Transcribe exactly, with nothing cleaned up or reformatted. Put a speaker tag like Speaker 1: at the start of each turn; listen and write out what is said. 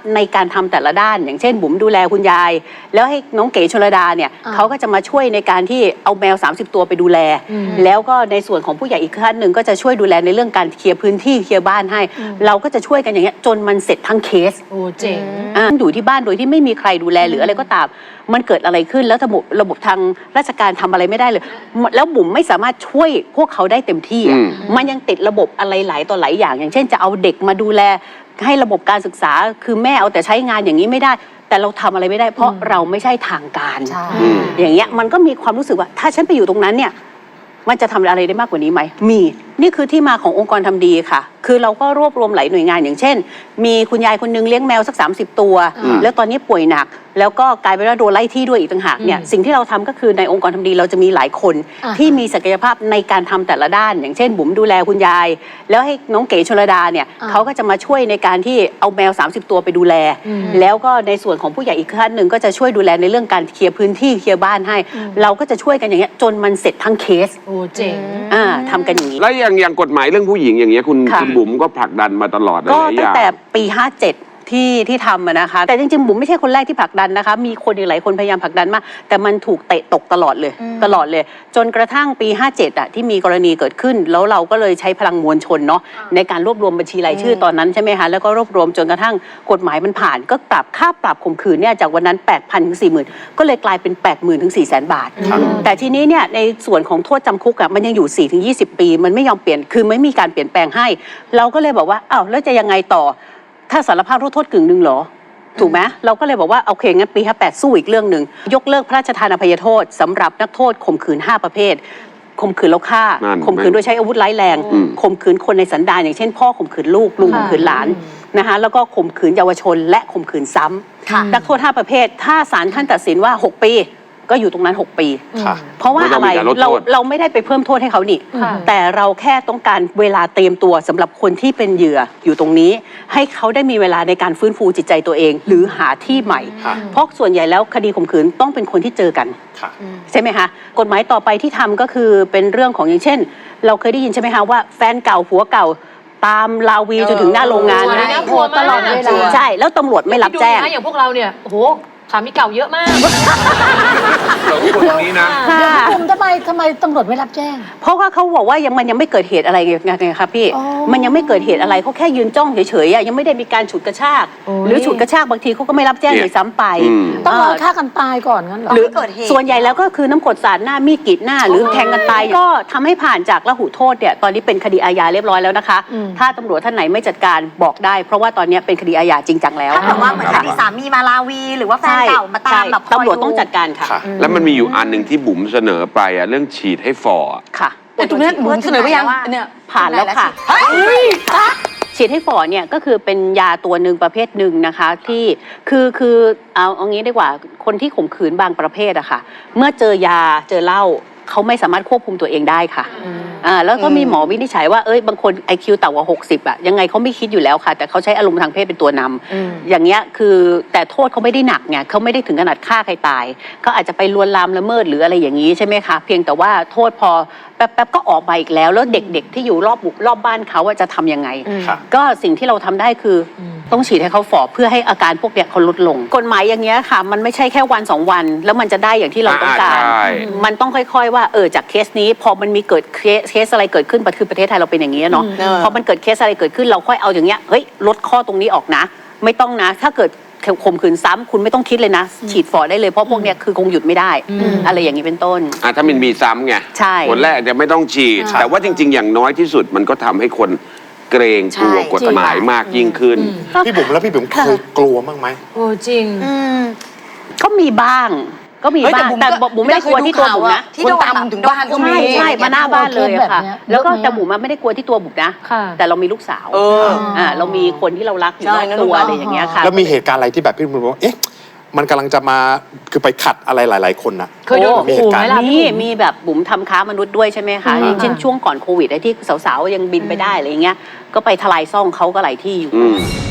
Speaker 1: ในการทำแต่ละด้านอย่างเช่นบุ๋มดูแลคุณยายแล้วให้น้องเก๋ชลดาเนี่ยเขาก็จะมาช่วยในการที่เอาแมวสามสิบตัวไปดูแลแล้วก็ในส่วนของผู้ใหญ่อีกท่านหนึ่งก็จะช่วยดูแลในเรื่องการเคลียร์พื้นที่เคลียร์บ้านให้เราก็จะช่วยกันอย่างเงี้ยจนมันเสร็จทั้งเคส
Speaker 2: โอ้เจ๋ง
Speaker 1: อยู่ที่บ้านโดยที่ไม่มีใครดูแลหรืออะไรก็ตามมันเกิดอะไรขึ้นแล้วระบบระบบทางราชการทำอะไรไม่ได้เลยแล้วบุ๋มไม่สามารถช่วยพวกเขาได้เต็มที่มันยังติดระบบอะไรหลายต่อหลายอย่างอย่างเช่นจะเอาเด็กมาดูแลให้ระบบการศึกษาคือแม่เอาแต่ใช้งานอย่างนี้ไม่ได้แต่เราทำอะไรไม่ได้เพราะเราไม่ใช่ทางการอย่างเงี้ยมันก็มีความรู้สึกว่าถ้าฉันไปอยู่ตรงนั้นเนี่ยมันจะทำอะไรได้มากกว่านี้ไหมมีนี่คือที่มาขององค์กรทำดีค่ะคือเราก็รวบรวมหลายหน่วยงานอย่างเช่นมีคุณยายคนนึงเลี้ยงแมวสักสามสิบตัวแล้วตอนนี้ป่วยหนักแล้วก็กลายเป็นว่าโดนไล่ที่ด้วยอีกต่างหากเนี่ยสิ่งที่เราทำก็คือในองค์กรทำดีเราจะมีหลายคนที่มีศักยภาพในการทำแต่ละด้านอย่างเช่นบุ๋มดูแลคุณยายแล้วให้น้องเก๋ชลดาเนี่ยเขาก็จะมาช่วยในการที่เอาแมวสามสิบตัวไปดูแลแล้วก็ในส่วนของผู้ใหญ่อีกท่านหนึ่งก็จะช่วยดูแลในเรื่องการเคลียร์พื้นที่เคลียร์บ้านให้เราก็จะช่วยกันอย่างเงี้ยจนมันเสร็จทั้งเคส
Speaker 2: โอ้เจ๋ง
Speaker 1: อ่าทำกันอย่างนี้
Speaker 3: แล้วอย่างอย่างกฎหมายเรื่องผู้หญิงอย่างเงี้ยคุณคุณบุ๋มก็ผลักดันมาตลอด
Speaker 1: ก็ตั้งแต่ปีห้าเจ็ดที่ที่ทำนะคะแต่จริงๆบุ๋มไม่ใช่คนแรกที่ผลักดันนะคะมีคนอีกหลายคนพยายามผลักดันมากแต่มันถูกเตะตกตลอดเลยตลอดเลยจนกระทั่งปีห้าเจ็ดอ่ะที่มีกรณีเกิดขึ้นแล้วเราก็เลยใช้พลังมวลชนเนาะในการรวบรวมบัญชีรายชื่อตอนนั้นใช่ไหมคะแล้วก็รวบรวมจนกระทั่งกฎหมายมันผ่านก็ปรับค่าปรับข่มขืนเนี่ยจากวันนั้น แปดพัน ถึง สี่หมื่น ก็เลยกลายเป็น แปดหมื่น ถึง สี่แสน บาทแต่ทีนี้เนี่ยในส่วนของโทษจำคุกอ่ะมันยังอยู่ สี่ถึงยี่สิบ ปีมันไม่ยอมเปลี่ยนคือไม่มีการเปลี่ยนแปลงให้เราก็เลยบอกว่าอ้าวแล้วจะยังไงต่อถ้าสารภาพโทษกึ่งหนึ่งเหรอถูกไหมเราก็เลยบอกว่าโอเคงั้นปีห้าแปดสู้อีกเรื่องหนึ่งยกเลิกพระราชทานอภัยโทษสำหรับนักโทษข่มขืนห้าประเภทข่มขืนแล้วฆ่าข่มขืนโดยใช้อาวุธร้ายแรงข่มขืนคนในสันดานอย่างเช่นพ่อข่มขืนลูกลุงข่มขืนหลานนะคะแล้วก็ข่มขืนเยาวชนและข่มขืนซ้ำนักโทษห้าประเภทถ้าศาลท่านตัดสินว่าหกปีก็อยู่ตรงนั้นหกปีเพราะว่าอะไรเราเราไม่ได้ไปเพิ่มโทษให้เขานี่แต่เราแค่ต้องการเวลาเตรียมตัวสำหรับคนที่เป็นเหยื่ออยู่ตรงนี้ให้เขาได้มีเวลาในการฟื้นฟูจิตใจตัวเองหรือหาที่ใหม่เพราะส่วนใหญ่แล้วคดีข่มขืนต้องเป็นคนที่เจอกันใช่ไหมคะกฎหมายต่อไปที่ทำก็คือเป็นเรื่องของอย่างเช่นเราเคยได้ยินใช่ไหมคะว่าแฟนเก่าผัวเก่าตามลาวีจนถึงหน้าโรงงานนะ
Speaker 2: ตลอดเวลา
Speaker 1: ใช่แล้วตำรวจไม่รับแจ้ง
Speaker 2: อย่างพวกเราเนี่ยโอ้โหสามีเก่าเยอะมาก
Speaker 3: เราคนนี้นะ
Speaker 4: คุณทำไมทำไมตำรวจไม่รับแจ้ง
Speaker 1: เพราะว่าเขาบอกว่ายังมันยังไม่เกิดเหตุอะไรไงครับพี่มันยังไม่เกิดเหตุอะไรเขาแค่ยืนจ้องเฉยๆยังไม่ได้มีการฉุดกระชากหรือฉุดกระชากบางทีเขาก็ไม่รับแจ้งเลยซ้ำไป
Speaker 4: ต้องรอฆ่ากันตายก่อนงั้นหรอ
Speaker 1: หรือส่วนใหญ่แล้วก็คือน้ำกรดสาดหน้ามีดกรีดหน้าหรือแทงกันตายก็ทำให้ผ่านจากละหุโทษเนี่ยตอนนี้เป็นคดีอาญาเรียบร้อยแล้วนะคะถ้าตำรวจท่านไหนไม่จัดการบอกได้เพราะว่าตอนนี้เป็นคดีอาญาจริงจังแล้ว
Speaker 5: ถ้าแบบว่าเหมือนคดีสามีมาลาวีหรือว่าแฟนเก่ามาตามแบบ
Speaker 1: ตำรวจต้องจัดการค่ะ
Speaker 3: แล้วมันมีอยู่อันหนึ่งที่บุ๋มเสนอไปอะเรื่องฉีดให้ฟอ
Speaker 1: ค่ะ
Speaker 2: แต่ตรงนี้บุ๋มเสนอไปยังเนี่ย
Speaker 1: ผ่านแล้วค่ะฉีดให้ฝ่อเนี่ยก็คือเป็นยาตัวหนึ่งประเภทหนึ่งนะคะที่คือคือเอาเอางี้ดีกว่าคนที่ข่มขืนบางประเภทอะค่ะเมื่อเจอยาเจอเหล้าเขาไม่สามารถควบคุมตัวเองได้ค่ะอ่าแล้วก็มีหมอวินิจฉัยว่าเอ้ยบางคน ไอ คิว ต่ำกว่าหกสิบอะยังไงเขาไม่คิดอยู่แล้วค่ะแต่เขาใช้อารมณ์ทางเพศเป็นตัวนำอย่างเงี้ยคือแต่โทษเขาไม่ได้หนักไงเขาไม่ได้ถึงขนาดฆ่าใครตายเขาอาจจะไปลวนลามละเมิดหรืออะไรอย่างนี้ใช่ไหมคะเพียงแต่ว่าโทษพอแป๊บๆก็ออกมาอีกแล้วแล้วเด็กๆที่อยู่รอบรอบบ้านเขาจะทำยังไงก็สิ่งที่เราทำได้คือต้องฉีดให้เขาฝ่อเพื่อให้อาการพวกเนี้ยเขาลดลงกฎหมายอย่างเงี้ยค่ะมันไม่ใช่แค่วันสองวันแล้วมันจะได้อย่างที่เราต้องการมันต้องค่อยๆว่าเออจากเคสนี้พอมันมีเกิดเคสอะไรเกิดขึ้นคือประเทศไทยเราเป็นอย่างนี้เนาะพอมันเกิดเคสอะไรเกิดขึ้นเราค่อยเอาอย่างเงี้ยเฮ้ยลดข้อตรงนี้ออกนะไม่ต้องนะถ้าเกิดข่มขืนซ้ำคุณไม่ต้องคิดเลยนะฉีดฝ่อได้เลยเพราะพวกเนี้ยคือคงหยุดไม่ได้อะไรอย่างนี้เป็นต้น
Speaker 3: อ่ะถ้ามันมีซ้ำไง
Speaker 1: ใช่
Speaker 3: คนแรกจะไม่ต้องฉีดแต่ว่าจริงๆอย่างน้อยที่สุดมันก็ทำให้คนเกรงกลัวกฎหมายมากยิ่งขึ้น
Speaker 6: พี่บุ๋มแล้วพี่บุ๋มเคยกลัวบ้างไหม
Speaker 2: โอ้จริง
Speaker 1: ก็มีบ้างก็มีบ้างแต่บุ๋มไม่ได้กลัวที่ตัวบุ๋มนะ
Speaker 5: ที่โดนตามถึงบ้านก็มี
Speaker 1: ใช่มาหน้าบ้านเลยค่ะแล้วก็แต่บุ๋มไม่ได้กลัวที่ตัวบุ๋มนะแต่เรามีลูกสาวอ่าเรามีคนที่เรารักอยู่รอบตัวอะไรอย่างเงี้ยค่ะ
Speaker 6: แล้วมีเหตุการณ์อะไรที่แบบพี่บุ๋มบอกว่าเอ๊ะมันกำลังจะมาคือไปขัดอะไรหลายๆคนนะ
Speaker 2: เคยโดน
Speaker 1: มีเหตุการณ์นี้มีแบบบุ๋มทำค้ามนุษย์ด้วยใช่ไหมคะอย่างเช่นช่วงก่อนโควิดไอ้ที่สาวๆยังบินไปได้อะไรอย่างเงี้ยก็ไปทลายซ่องเขาก็หลายที่อยู่